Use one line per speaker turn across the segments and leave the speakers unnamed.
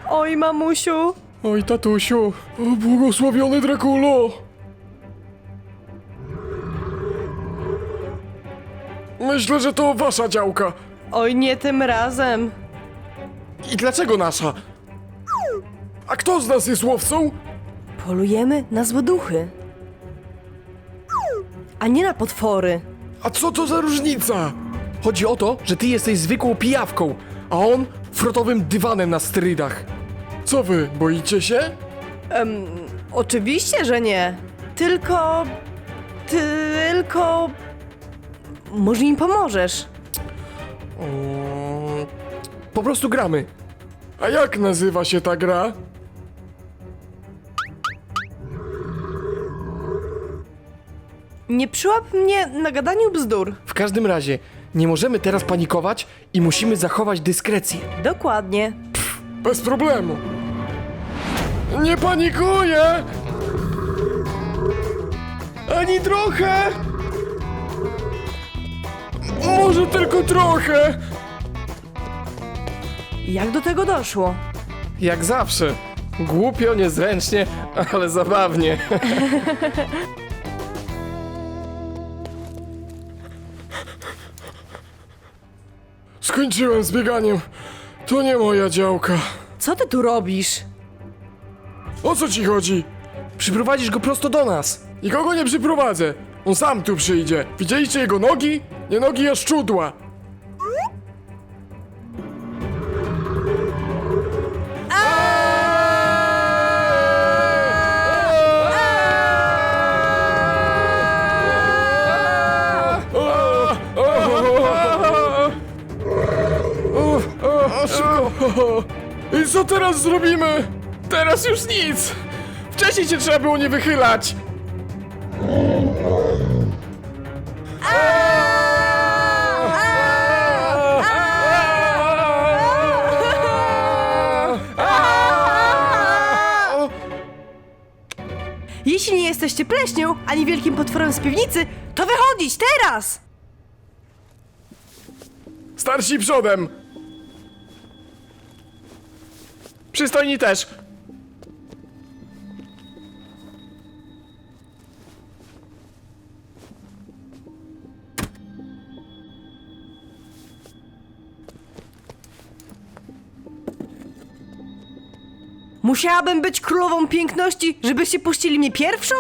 Oj, mamusiu.
Oj, tatusiu, o, błogosławiony Drakulo! Myślę, że to wasza działka.
Oj, nie tym razem.
I dlaczego nasza? A kto z nas jest łowcą?
Polujemy na złe duchy. A nie na potwory.
A co to za różnica? Chodzi o to, że ty jesteś zwykłą pijawką, a on frotowym dywanem na sterydach. Co wy, boicie się?
Oczywiście, że nie. Tylko... Może im pomożesz.
Po prostu gramy. A jak nazywa się ta gra?
Nie przyłap mnie na gadaniu bzdur.
W każdym razie, nie możemy teraz panikować i musimy zachować dyskrecję.
Dokładnie.
Bez problemu. Nie panikuję! Ani trochę! Może tylko trochę!
Jak do tego doszło?
Jak zawsze. Głupio, niezręcznie, ale zabawnie. Skończyłem z bieganiem. To nie moja działka.
Co ty tu robisz?
O co ci chodzi? Przyprowadzisz go prosto do nas. Nikogo nie przyprowadzę. On sam tu przyjdzie. Widzieliście jego nogi? Nie nogi, a szczudła. I co teraz zrobimy? Teraz już nic! Wcześniej cię trzeba było nie wychylać!
Jeśli nie jesteście pleśnią, ani wielkim potworem z piwnicy, to wychodzić teraz!
Starsi przodem! Przystojni też!
Musiałabym być królową piękności, żebyście puścili mnie pierwszą?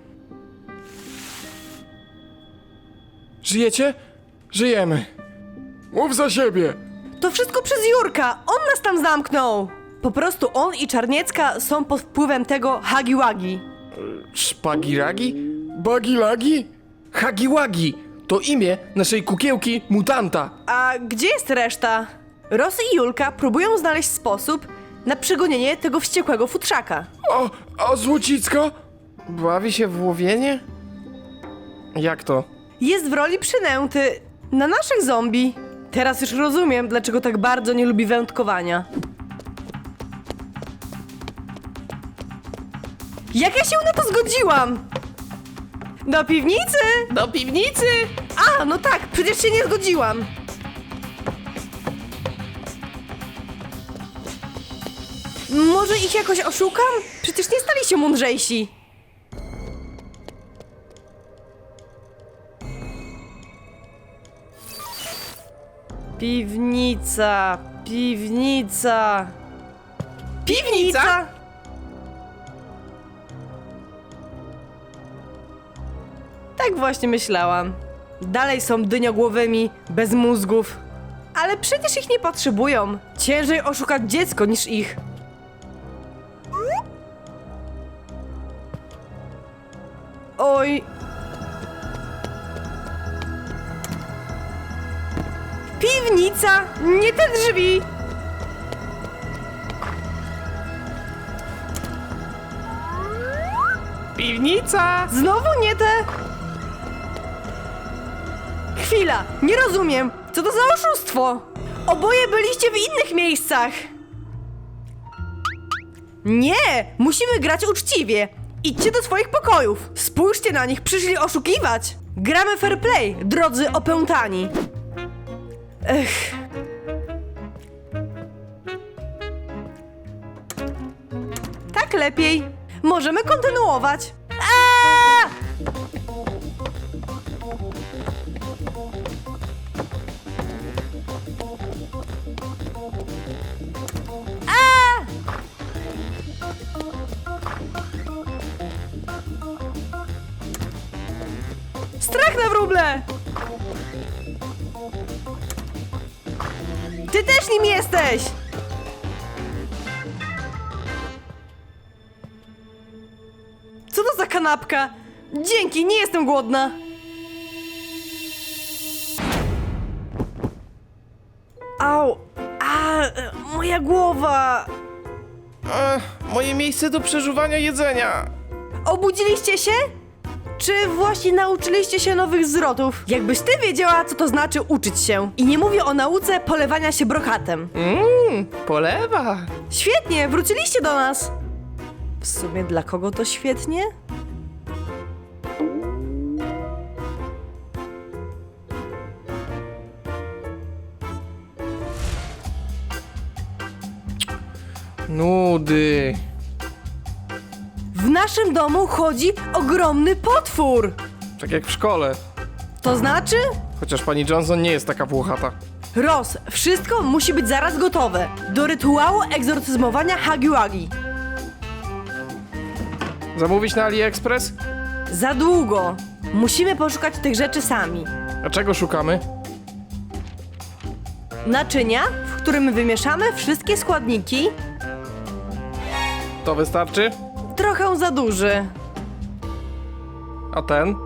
Żyjecie? Żyjemy. Mów za siebie!
To wszystko przez Jurka! On nas tam zamknął! Po prostu on i Czarniecka są pod wpływem tego Hagi-Wagi.
Szpagiragi? Bagilagi? Hagiwagi! To imię naszej kukiełki mutanta.
A gdzie jest reszta? Ros i Julka próbują znaleźć sposób na przegonienie tego wściekłego futrzaka.
A Złocicka? Bawi się w łowienie? Jak to?
Jest w roli przynęty na naszych zombie. Teraz już rozumiem, dlaczego tak bardzo nie lubi wędkowania. Jak ja się na to zgodziłam? Do piwnicy!
Do piwnicy!
A, no tak, przecież się nie zgodziłam. Może ich jakoś oszukam? Przecież nie stali się mądrzejsi. Piwnica, piwnica.
Piwnica?
Tak właśnie myślałam. Dalej są dyniogłowymi, bez mózgów. Ale przecież ich nie potrzebują. Ciężej oszukać dziecko niż ich. Oj. Piwnica! Nie te drzwi!
Piwnica!
Znowu nie te! Chwila, nie rozumiem. Co to za oszustwo? Oboje byliście w innych miejscach. Nie, musimy grać uczciwie. Idźcie do swoich pokojów. Spójrzcie na nich, przyszli oszukiwać. Gramy fair play, drodzy opętani. Ech. lepiej. Możemy kontynuować. Aaaa! Strach na wróble! Ty też nim jesteś! Co to za kanapka? Dzięki, nie jestem głodna. Au! Moja głowa!
Moje miejsce do przeżuwania jedzenia.
Obudziliście się? Czy właśnie nauczyliście się nowych zwrotów? Jakbyś ty wiedziała, co to znaczy uczyć się. I nie mówię o nauce polewania się brokatem.
Polewa.
Świetnie, wróciliście do nas. W sumie dla kogo to świetnie?
Nudy.
W naszym domu chodzi ogromny potwór.
Tak jak w szkole.
To znaczy?
Chociaż pani Johnson nie jest taka włochata.
Roz, wszystko musi być zaraz gotowe. Do rytuału egzorcyzmowania Hagi-Wagi.
Zamówić na AliExpress?
Za długo. Musimy poszukać tych rzeczy sami.
A czego szukamy?
Naczynia, w którym wymieszamy wszystkie składniki.
To wystarczy?
Trochę za duży.
A ten?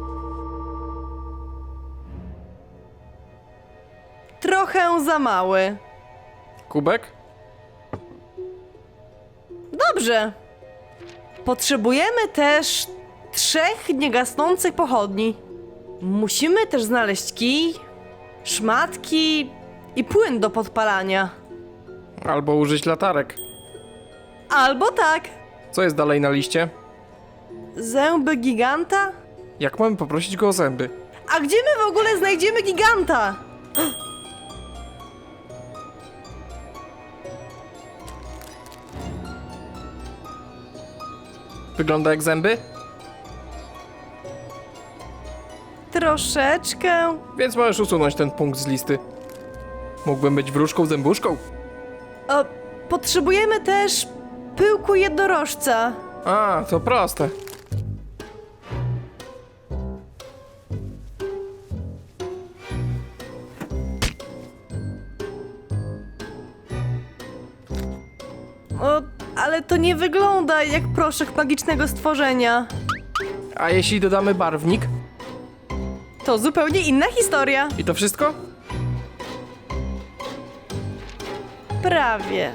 Trochę za mały.
Kubek?
Dobrze. Potrzebujemy też 3 niegasnących pochodni. Musimy też znaleźć kij, szmatki i płyn do podpalania.
Albo użyć latarek.
Albo tak.
Co jest dalej na liście?
Zęby giganta?
Jak mamy poprosić go o zęby?
A gdzie my w ogóle znajdziemy giganta?
Wygląda jak zęby?
Troszeczkę.
Więc możesz usunąć ten punkt z listy. Mógłbym być wróżką zębuszką.
O, potrzebujemy też pyłku jednorożca.
A, to proste.
O, ale to nie wygląda jak proszek magicznego stworzenia.
A jeśli dodamy barwnik?
To zupełnie inna historia.
I to wszystko?
Prawie.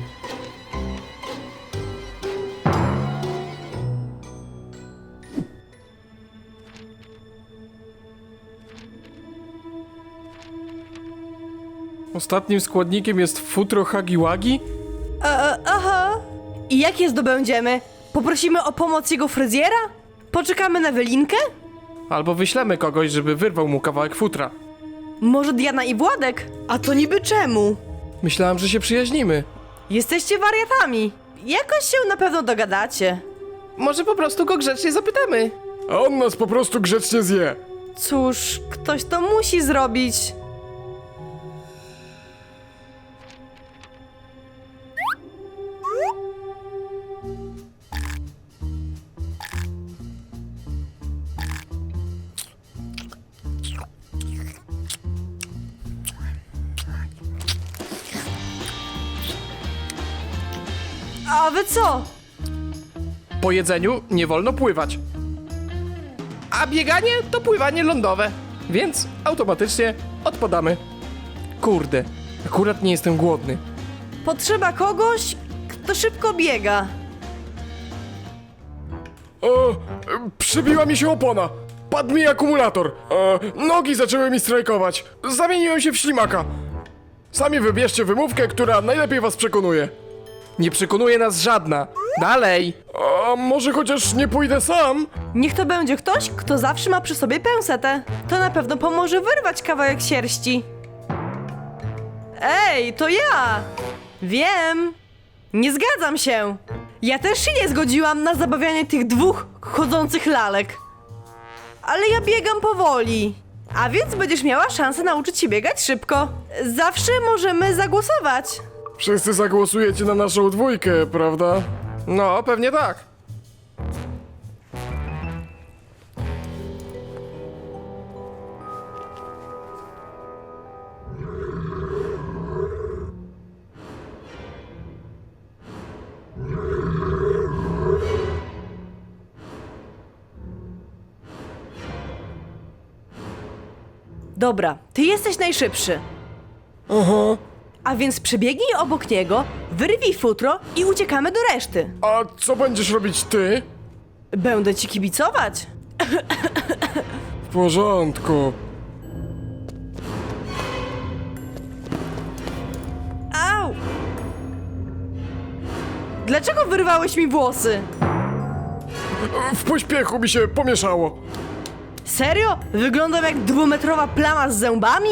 Ostatnim składnikiem jest futro Hagi-Wagi?
Aha. I jak je zdobędziemy? Poprosimy o pomoc jego fryzjera? Poczekamy na wylinkę?
Albo wyślemy kogoś, żeby wyrwał mu kawałek futra.
Może Diana i Władek? A to niby czemu?
Myślałem, że się przyjaźnimy.
Jesteście wariatami. Jakoś się na pewno dogadacie.
Może po prostu go grzecznie zapytamy.
A on nas po prostu grzecznie zje.
Cóż, ktoś to musi zrobić. A wy co?
Po jedzeniu nie wolno pływać. A bieganie to pływanie lądowe. Więc automatycznie odpadamy. Kurde, akurat nie jestem głodny.
Potrzeba kogoś, kto szybko biega.
O, przybiła mi się opona. Padł mi akumulator. Nogi zaczęły mi strajkować. Zamieniłem się w ślimaka. Sami wybierzcie wymówkę, która najlepiej was przekonuje.
Nie przekonuje nas żadna. Dalej!
A może chociaż nie pójdę sam?
Niech to będzie ktoś, kto zawsze ma przy sobie pęsetę. To na pewno pomoże wyrwać kawałek sierści. Ej, to ja! Wiem! Nie zgadzam się! Ja też się nie zgodziłam na zabawianie tych dwóch chodzących lalek. Ale ja biegam powoli. A więc będziesz miała szansę nauczyć się biegać szybko. Zawsze możemy zagłosować.
Wszyscy zagłosujecie na naszą dwójkę, prawda?
No, pewnie tak.
Dobra, ty jesteś najszybszy.
Aha.
A więc przebiegnij obok niego, wyrwij futro i uciekamy do reszty.
A co będziesz robić ty?
Będę ci kibicować.
W porządku.
Au! Dlaczego wyrwałeś mi włosy?
W pośpiechu mi się pomieszało.
Serio? Wyglądam jak dwumetrowa plama z zębami?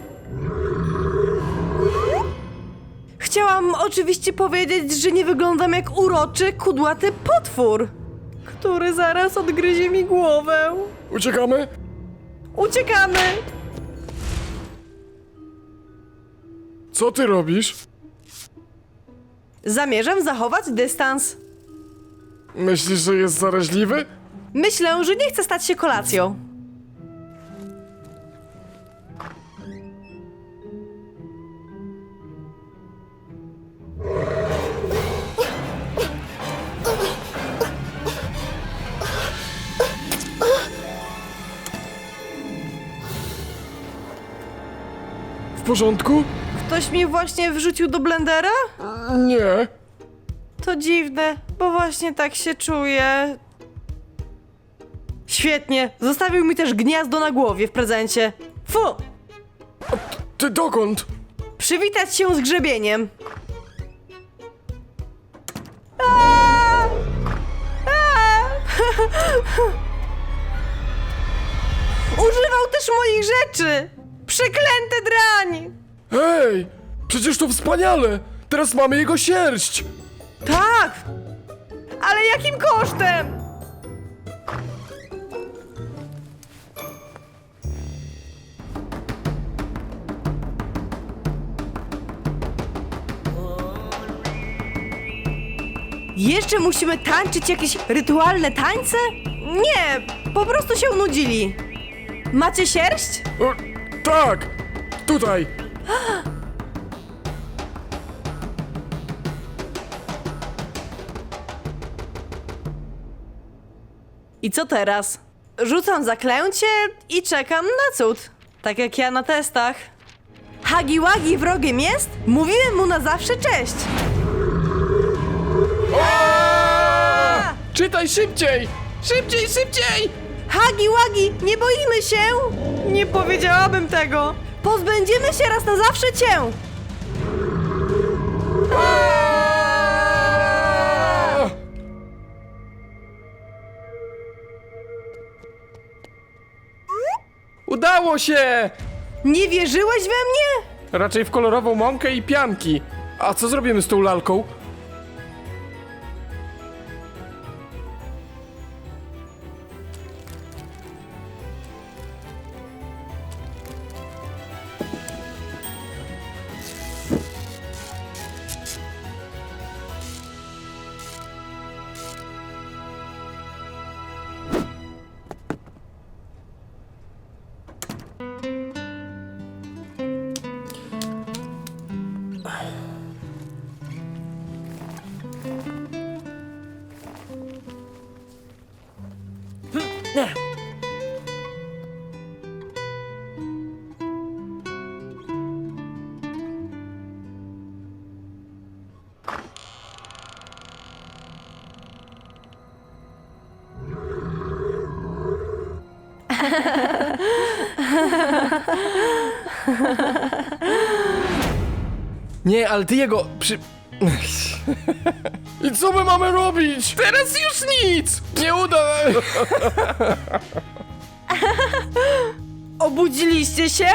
Chciałam oczywiście powiedzieć, że nie wyglądam jak uroczy, kudłaty potwór, który zaraz odgryzie mi głowę.
Uciekamy?
Uciekamy!
Co ty robisz?
Zamierzam zachować dystans.
Myślisz, że jest zaraźliwy?
Myślę, że nie chcę stać się kolacją.
W porządku?
Ktoś mi właśnie wrzucił do blendera?
Nie.
To dziwne, bo właśnie tak się czuję. Świetnie, zostawił mi też gniazdo na głowie w prezencie. Fu!
Ty dokąd?
Przywitać się z grzebieniem. Aaaa! Aaaa! Używał też moich rzeczy! Przeklęty drań!
Hej! Przecież to wspaniale! Teraz mamy jego sierść!
Tak! Ale jakim kosztem? Jeszcze musimy tańczyć jakieś rytualne tańce? Nie, po prostu się nudzili. Macie sierść?
O, tak! Tutaj!
I co teraz? Rzucam zaklęcie i czekam na cud. Tak jak ja na testach. Hagi Wagi wrogiem jest? Mówiłem mu na zawsze cześć.
Czytaj szybciej! Szybciej, szybciej!
Hagi Wagi, nie boimy się? Nie powiedziałabym tego. Pozbędziemy się raz na zawsze cię.
Udało się!
Nie wierzyłeś we mnie?
Raczej w kolorową mąkę i pianki. A co zrobimy z tą lalką? Nie, ale ty jego
I co my mamy robić?
Teraz już nic! Nie uda!
Obudziliście się?